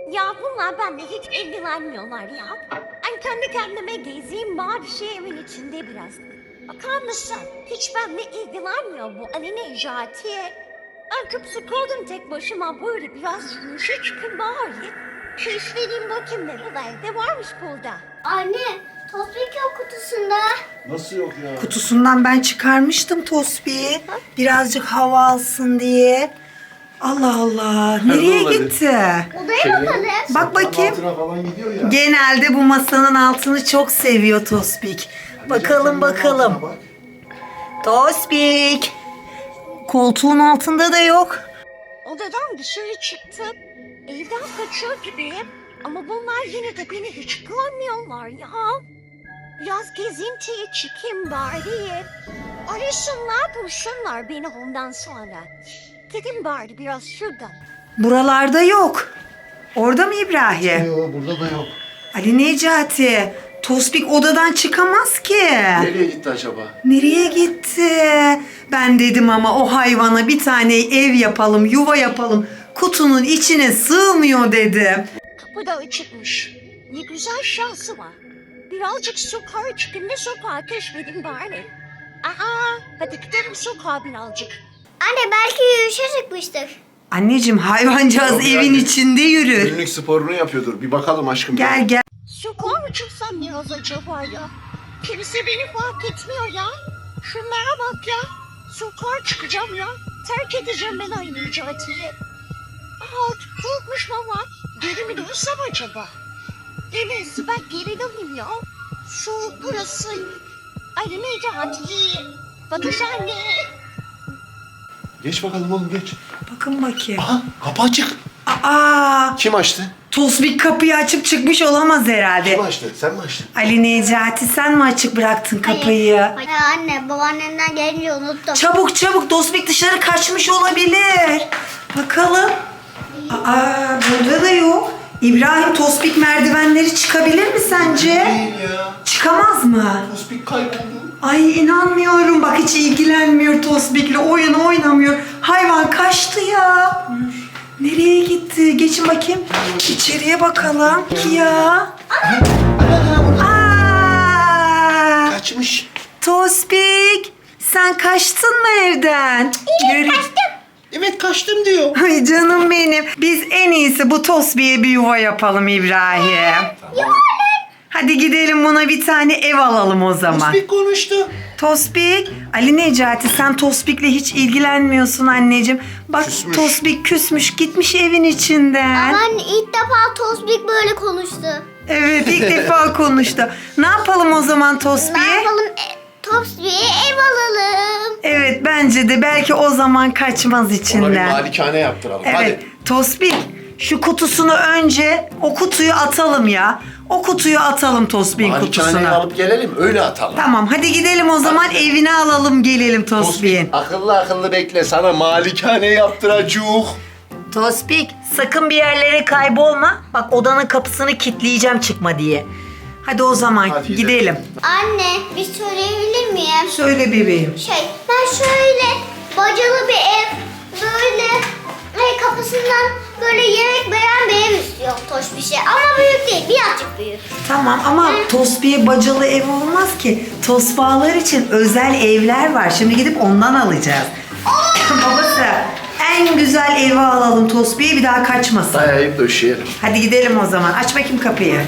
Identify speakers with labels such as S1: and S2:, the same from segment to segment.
S1: Ya bunlar benimle hiç ilgilenmiyorlar ya. Ben kendi kendime gezeyim bari evin içinde biraz. Bakar mısın? Hiç benimle ilgilenmiyor bu Ali Necati. Ben çok sıkıldım tek başıma böyle biraz yürüyüşe çıkın bari. Keşfedeyim bakayım nerelerde varmış burada.
S2: Anne, Tospik yok kutusunda.
S3: Nasıl yok ya?
S4: Kutusundan ben çıkarmıştım Tosbih'i. Birazcık hava alsın diye. Allah Allah. Nereye
S3: olabilir?
S4: gitti?
S2: Odaya bakalım.
S4: Bak bakayım.
S3: Altına falan gidiyor ya.
S4: Genelde bu masanın altını çok seviyor Tosbik. Bakalım bakalım.
S3: Bak.
S4: Tosbik. Koltuğun altında da yok.
S1: Odadan dışarı çıktım. Evden kaçıyor gibiyim. Ama bunlar yine de beni hiç görmüyorlar ya. Biraz gezintiye çıkayım bari. Arasınlar bulsunlar beni ondan sonra. Gidin bari biraz şuradan.
S4: Buralarda yok. Orada mı İbrahim?
S3: Yok, burada da yok.
S4: Ali Necati. Tosbik odadan çıkamaz ki.
S3: Nereye gitti acaba?
S4: Nereye gitti? Ben dedim ama o hayvana bir tane ev yapalım, yuva yapalım. Kutunun içine sığmıyor dedim.
S1: Kapı da açıkmış. Ne güzel şansı var. Birazcık sokağa çıkayım da sokağı keşfedin bari. Aha, hadi gidelim sokağa birazcık.
S2: Anne belki yürüyüşe çıkmıştık.
S4: Anneciğim hayvancağız
S3: Yok
S4: evin
S3: yani.
S4: içinde yürür.
S3: Günlük sporunu yapıyordur. Bir bakalım aşkım.
S4: Gel gel.
S1: Sokağa mı çıksam biraz acaba ya? Kimse beni fark etmiyor ya. Şunlara bak ya. Sokağa çıkacağım ya. Terk edeceğim ben aynı Necati'yi. Aha korkmuş baba. Geri mi dönsem acaba? Evet ben geri döneyim ya. Soğuk burası. Aynı Necati. Bakış anne.
S3: Geç bakalım oğlum geç.
S4: Bakın bakayım.
S3: Aha kapı açık.
S4: Aa,
S3: Kim açtı?
S4: Tosbik kapıyı açıp çıkmış olamaz herhalde.
S3: Kim açtı? Sen mi açtın?
S4: Ali Necati sen mi açık bıraktın kapıyı?
S2: Hayır anne, babaannemden gelince unuttum.
S4: Çabuk çabuk Tosbik dışarı kaçmış olabilir. Bakalım. Aa, burada da yok. İbrahim Tosbik merdivenleri çıkabilir mi sence?
S3: Değil ya.
S4: Çıkamaz mı?
S3: Tospik kayboldu.
S4: Ay inanmıyorum. Bak hiç ilgilenmiyor Tosbik'le. Oyun oynamıyor. Hayvan kaçtı ya. Nereye gitti? Geçin bakayım. İçeriye bakalım. Ya. Aa!
S3: Kaçmış.
S4: Tosbik. Sen kaçtın mı evden? Yürü.
S3: Evet kaçtım diyor.
S4: Ay canım benim. Biz en iyisi bu Tosbik'e bir yuva yapalım İbrahim. Hadi gidelim buna bir tane ev alalım o zaman.
S3: Tospik konuştu.
S4: Tosbik. Ali Necati sen Tosbik'le hiç ilgilenmiyorsun anneciğim. Bak
S3: Küsmüş.
S4: Tosbik küsmüş gitmiş evin içinden.
S2: Ama anne ilk defa Tospik böyle konuştu.
S4: Evet ilk defa konuştu. Ne yapalım o zaman
S2: Ne
S4: Tosbik'e?
S2: yapalım? Tospik'e ev alalım.
S4: Evet bence de belki o zaman kaçmaz
S3: Ona bir
S4: içinden.
S3: malikane yaptıralım.
S4: Evet
S3: Hadi.
S4: Tosbik şu kutusunu önce o kutuyu atalım ya. O kutuyu atalım Tosbik'in
S3: Malikaneyi
S4: kutusuna.
S3: alıp gelelim öyle atalım.
S4: Tamam hadi gidelim o zaman
S3: Hadi.
S4: evine alalım gelelim Tosbik'in.
S3: Akıllı akıllı bekle sana malikane yaptıracuk.
S4: Tosbik sakın bir yerlere kaybolma. Bak odanın kapısını kilitleyeceğim çıkma diye. Hadi o zaman
S3: Hadi
S4: gidelim.
S3: gidelim.
S2: Anne bir söyleyebilir miyim?
S4: Söyle bebeğim.
S2: Ben şöyle bacalı bir ev, böyle kapısından böyle yemek veren bir ev istiyorum toş bir şey. Ama büyük değil, birazcık büyük.
S4: Tamam ama Tosbik'e bacalı ev olmaz ki. Tosbağalar için özel evler var. Şimdi gidip ondan alacağız. Babası en güzel evi alalım Tosbik'e bir daha kaçmasın.
S3: Dayayıp döşeyelim.
S4: Hadi gidelim o zaman. Aç bakayım kapıyı.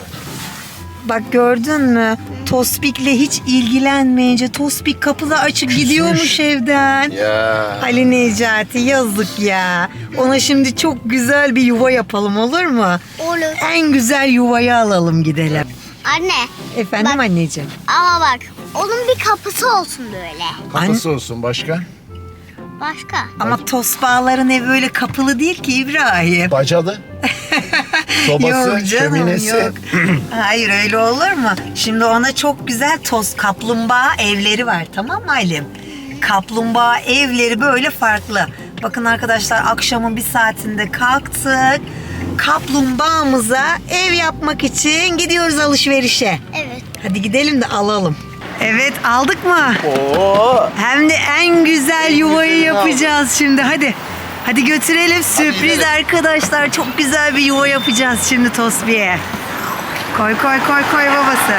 S4: Bak gördün mü? Tosbik'le hiç ilgilenmeyince Tosbik kapıda açık gidiyormuş evden.
S3: Ya.
S4: Ali Necati yazık ya. Ona şimdi çok güzel bir yuva yapalım olur mu?
S2: Olur.
S4: En güzel yuvayı alalım gidelim.
S2: Anne,
S4: Efendim
S2: Bak.
S4: anneciğim.
S2: ama bak onun bir kapısı olsun böyle.
S3: Kapısı olsun başka.
S2: Başka?
S4: Ama tosbağaların evi öyle kapılı değil ki İbrahim.
S3: Bacalı. Sobası,
S4: Yok canım
S3: şöminesi.
S4: yok. Hayır öyle olur mu? Şimdi ona çok güzel toz kaplumbağa evleri var tamam mı Halim? Kaplumbağa evleri böyle farklı. Bakın arkadaşlar akşamın bir saatinde kalktık. Kaplumbağamıza ev yapmak için gidiyoruz alışverişe.
S2: Evet.
S4: Hadi gidelim de alalım. Evet aldık mı?
S3: Oo.
S4: Hem de en güzel yuvayı
S3: güzelini
S4: yapacağız şimdi hadi. Hadi götürelim. Sürpriz
S3: gidelim.
S4: arkadaşlar. Çok güzel bir yuva yapacağız şimdi Tosbi'ye. Koy babası.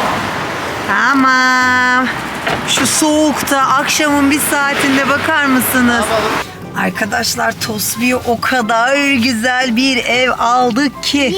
S4: Tamam. Şu soğukta akşamın bir saatinde bakar mısınız? Arkadaşlar Tosbi'ye o kadar güzel bir ev aldık ki.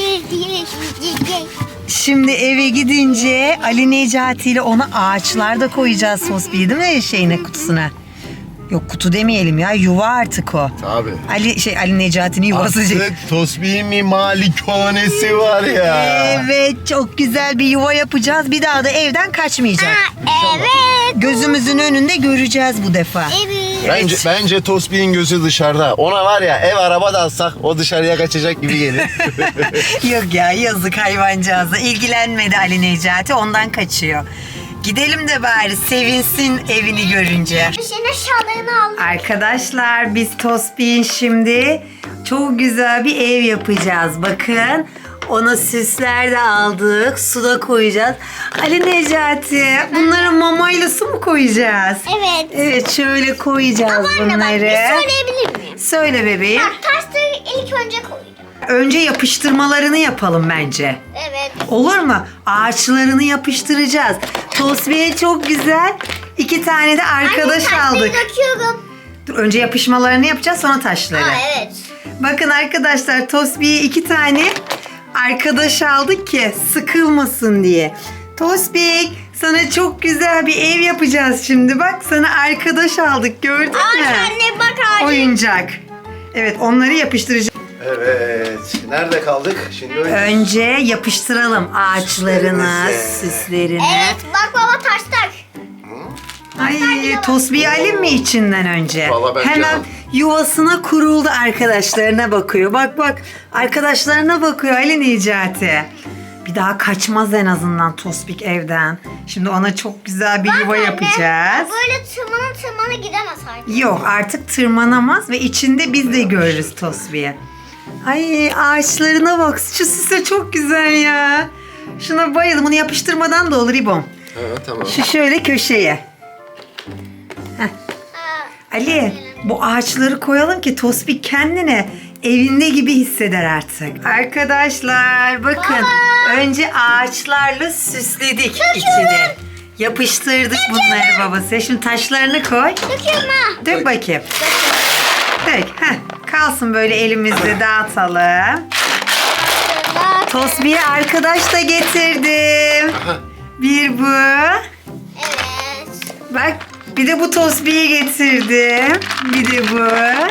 S4: Şimdi eve gidince Ali Necati ile ona ağaçlar da koyacağız Tosbi'yi, değil mi şeyine, kutusuna? Yok, kutu demeyelim ya, yuva artık o.
S3: Tabii.
S4: Ali Necati'nin yuvası.
S3: Artık Tosbih'in malikanesi var ya.
S4: Evet, çok güzel bir yuva yapacağız. Bir daha da evden kaçmayacak.
S2: Evet.
S4: Gözümüzün önünde göreceğiz bu defa.
S2: Evet.
S3: Bence Tosbih'in gözü dışarıda. Ona var ya, ev araba da alsak o dışarıya kaçacak gibi gelir.
S4: Yok ya, yazık hayvancağıza. İlgilenmedi Ali Necati, ondan kaçıyor. Gidelim de bari sevinsin evini görünce.
S2: Senin eşyalarını al.
S4: Arkadaşlar biz Tosbih'in şimdi çok güzel bir ev yapacağız. Bakın, ona süsler de aldık. Su da koyacağız. Ali Necati, bunlara mamayla su mu koyacağız?
S2: Evet.
S4: Evet, şöyle koyacağız
S2: Ama anne bak,
S4: bunları.
S2: bir söyleyebilir miyim?
S4: Söyle bebeğim.
S2: Bak, taşları ilk önce koyacağım.
S4: Önce yapıştırmalarını yapalım bence.
S2: Evet.
S4: Olur mu? Ağaçlarını yapıştıracağız. Tosbih'e çok güzel 2 tane de arkadaş
S2: Anne, taşları
S4: aldık.
S2: döküyorum.
S4: Dur, önce yapışmalarını yapacağız, sonra taşları.
S2: Aa, evet.
S4: Bakın arkadaşlar, Tosbih'e 2 tane arkadaş aldık ki sıkılmasın diye. Tosbih, sana çok güzel bir ev yapacağız şimdi. Bak, sana arkadaş aldık, gördün mü?
S2: Anne bak ağacı.
S4: Oyuncak. Evet, onları yapıştıracağız.
S3: Evet. Nerede kaldık? Şimdi
S4: Önce yapıştıralım ağaçlarını,
S3: Süslerimizi.
S4: süslerini.
S2: Evet bak baba taşlar.
S4: Ay, Tosbih'i alayım mı içinden önce?
S3: Vallahi bence
S4: Hemen
S3: al.
S4: yuvasına kuruldu, arkadaşlarına bakıyor. Bak, arkadaşlarına bakıyor Ali Necati. Bir daha kaçmaz en azından Tosbih evden. Şimdi ona çok güzel bir yuva
S2: Anne,
S4: yapacağız.
S2: böyle tırmana gidemez artık.
S4: Yok, artık tırmanamaz ve içinde biz de görürüz Tosbih'i. Ay, ağaçlarına bak. Şu süse çok güzel ya. Şuna bayıldım. Bunu yapıştırmadan da olur İbom.
S3: Evet, tamam.
S4: Şu şöyle köşeye.
S2: Aa,
S4: Ali, bu ağaçları koyalım ki Tosbih kendine evinde gibi hisseder artık. Arkadaşlar bakın, önce ağaçlarla süsledik içini. Yapıştırdık bunları babası. Şimdi taşlarını koy.
S2: döküyorum ha.
S4: Dök bakayım. Dök. Heh, kalsın böyle elimizde, dağıtalım.
S2: Bak.
S4: Tosbih'e arkadaş da getirdim. Bir bu.
S2: Evet.
S4: Bak, bir de bu Tosbih'i getirdim. Bir de bu.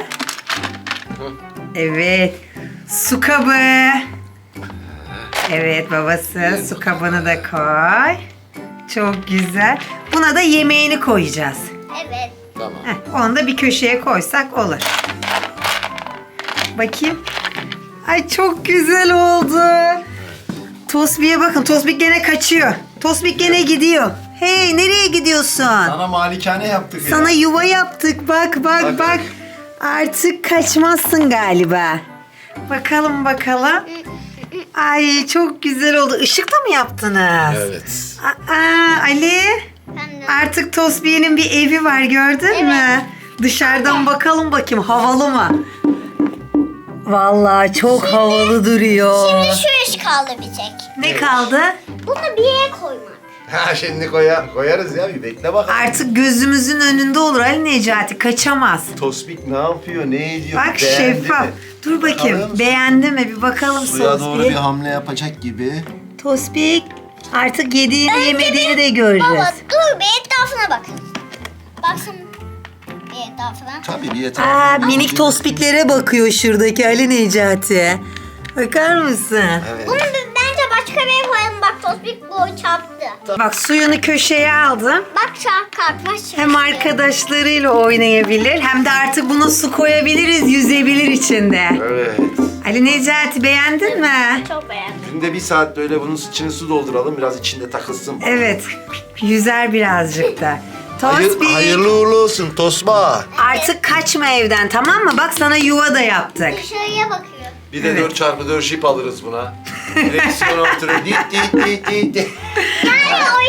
S4: Evet. Su kabı. Evet babası, su kabını da koy. Çok güzel. Buna da yemeğini koyacağız.
S2: Evet.
S3: Tamam.
S4: Onu da bir köşeye koysak olur. Bakayım. Ay, çok güzel oldu. Tosbih'e bakın. Tosbih gene kaçıyor. Tosbih gene gidiyor. Hey, nereye gidiyorsun?
S3: Sana malikane yaptık ya.
S4: Sana yuva yaptık. Bak.
S3: Bak.
S4: Artık kaçmazsın galiba. Bakalım. Ay, çok güzel oldu. Işıkla mı yaptınız?
S3: Evet.
S4: Ali.
S2: Ben de.
S4: Artık Tosbih'in bir evi var, gördün mü? Dışarıdan bakalım bakayım, havalı mı? Vallahi çok havalı duruyor.
S2: Şimdi şu iş kaldı bir tek.
S4: Ne kaldı?
S2: Bunu bir yere koymak.
S3: Ha, şimdi koyarız ya, bir bekle bakalım.
S4: Artık gözümüzün önünde olur Ali Necati, kaçamaz.
S3: Tosbih ne yapıyor, ne ediyor?
S4: Bak,
S3: Beğendi
S4: şeffaf.
S3: mi?
S4: Dur bakayım,
S3: Bakalım.
S4: beğendi mi? Bir bakalım
S3: Suya doğru bir
S4: Tosbih.
S3: hamle yapacak gibi.
S4: Tosbih, artık yediğini yemediğini de göreceğiz.
S2: Baba dur bir etrafına bakın. Baksın bir etrafına.
S3: Tabii bir etrafı.
S4: Minik Tosbih'lere bakıyor şuradaki Ali Necati. Bakar mısın?
S3: Evet.
S2: Bunu bence başka bir yere koyalım. Bak Tosbih boy çarptı.
S4: Bak, suyunu köşeye aldım.
S2: Bak kalkmış.
S4: Hem arkadaşlarıyla oynayabilir hem de artık buna su koyabiliriz, yüzebilir içinde.
S3: Evet.
S4: Ali Necati, beğendin mi?
S2: Çok beğendim.
S3: Günde 1 saat böyle bunun içine su dolduralım, biraz içinde takılsın.
S4: Evet, yüzer birazcık da. Tosbih,
S3: Hayırlı uğurlu olsun Tosba.
S4: artık kaçma evden, tamam mı? Bak, sana yuva da yaptık.
S2: Dışarıya bakıyor.
S3: Bir de
S4: Evet.
S3: 4x4 jip alırız buna. Direksiyona oturuyor. Dit.
S2: Yani oyuncak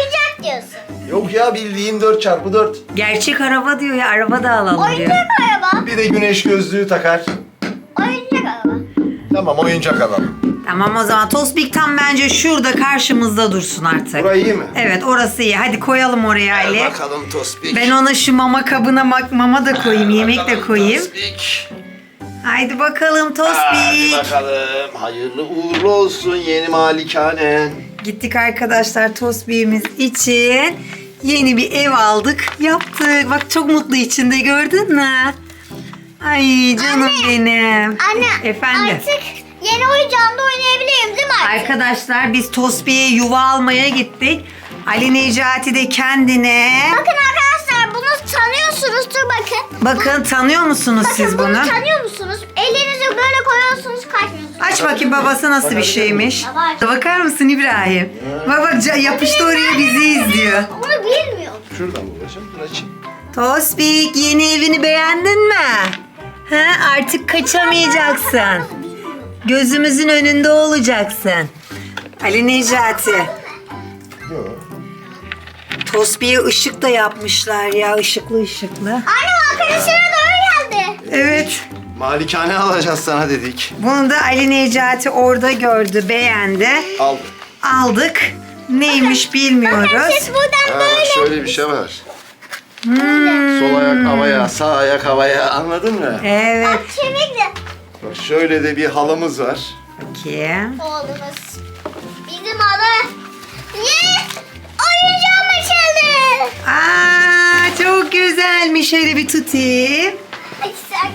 S2: diyorsun?
S3: Yok ya, bildiğin 4x4.
S4: Gerçek araba diyor ya, araba da alalım diyor.
S2: Oyuncak araba.
S3: Bir de güneş gözlüğü takar.
S2: Oyuncak araba.
S3: Tamam, oyuncak alalım.
S4: Tamam o zaman Tospik tam bence şurada karşımızda dursun artık.
S3: Burayı iyi mi?
S4: Evet orası iyi. Hadi koyalım oraya Ali.
S3: Bakalım Tospik.
S4: Ben ona şu mama kabına mama da koyayım, yemek de koyayım.
S3: Tospik.
S4: Haydi bakalım
S3: Hadi
S4: Tospik.
S3: bakalım. Hayırlı uğurlu olsun yeni malikanen.
S4: Gittik arkadaşlar Tospik'imiz için yeni bir ev aldık, yaptık. Bak çok mutlu içinde, gördün mü? Ay canım
S2: Anne.
S4: benim.
S2: Anne
S4: Efendim.
S2: artık yeni oyuncağımda oynayabilirim değil mi artık?
S4: Arkadaşlar biz Tospik'e yuva almaya gittik. Ali Necati de kendine...
S2: Bakın arkadaşlar bunu tanıyorsunuzdur bakın.
S4: Bakın tanıyor musunuz
S2: Bakın
S4: siz bunu?
S2: tanıyor musunuz? Elinizi böyle koyuyorsunuz kaçmıyorsunuz.
S4: Aç bakayım babası nasıl bir şeymiş.
S2: Baba.
S4: Bakar mısın İbrahim? Bak bak yapıştı oraya, bizi izliyor.
S2: Onu bilmiyorum.
S3: Şuradan babacığım, dur açayım.
S4: Tospik yeni evini beğendin mi? Ha, artık kaçamayacaksın. Gözümüzün önünde olacaksın. Ali Necati.
S3: Yok.
S4: Tospik'e ışık da yapmışlar ya, ışıklı ışıklı.
S2: Anne arkadaşına doğru geldi.
S4: Evet.
S3: Malikane alacağız sana dedik.
S4: Bunu da Ali Necati orada gördü, beğendi.
S3: Aldık.
S4: Aldık. Neymiş bilmiyoruz.
S2: Bakın siz buradan
S3: Ha, bak
S2: böyle.
S3: şöyle bir şey var. Sol ayak havaya, sağ ayak havaya, anladın mı?
S4: Evet.
S2: Bak kemikle.
S3: Bak şöyle de bir halımız var.
S4: Bakayım.
S2: Oğlumuz. Bizim adı. Yes! Oyuncağım açıldı.
S4: Aa, çok güzelmiş. Şöyle bir tutayım.
S2: Ay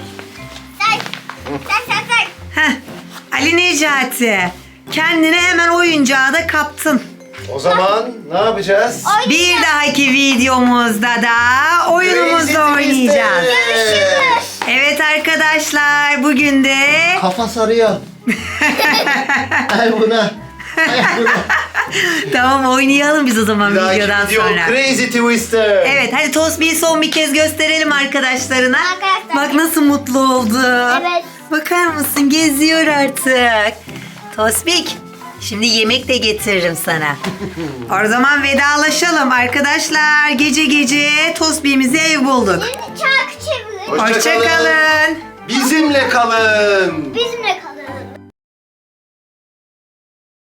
S2: sen.
S4: Heh. Ali Necati. Kendine hemen oyuncağı da kaptın.
S3: O zaman ne yapacağız?
S4: Bir dahaki videomuzda da oyunumuzda oynayacağız.
S2: Görüşürüz.
S4: Evet arkadaşlar, bugün de
S3: Kafa sarıyor. Ay buna. Ay buna.
S4: tamam oynayalım biz o zaman
S3: Bir dahaki
S4: videodan
S3: video
S4: sonra.
S3: Crazy Twister.
S4: Evet hadi Tospik'i son bir kez gösterelim arkadaşlarına.
S2: Arkadaşlar.
S4: Bak nasıl mutlu oldu.
S2: Evet.
S4: Bakar mısın, geziyor artık. Tospik şimdi yemek de getiririm sana. O zaman vedalaşalım arkadaşlar. Gece gece Tospik'imize ev bulduk.
S2: Şimdi çarkı çevirin.
S3: Hoşça
S4: Hoşça kalın.
S3: Bizimle kalın.
S2: Bizimle kalın.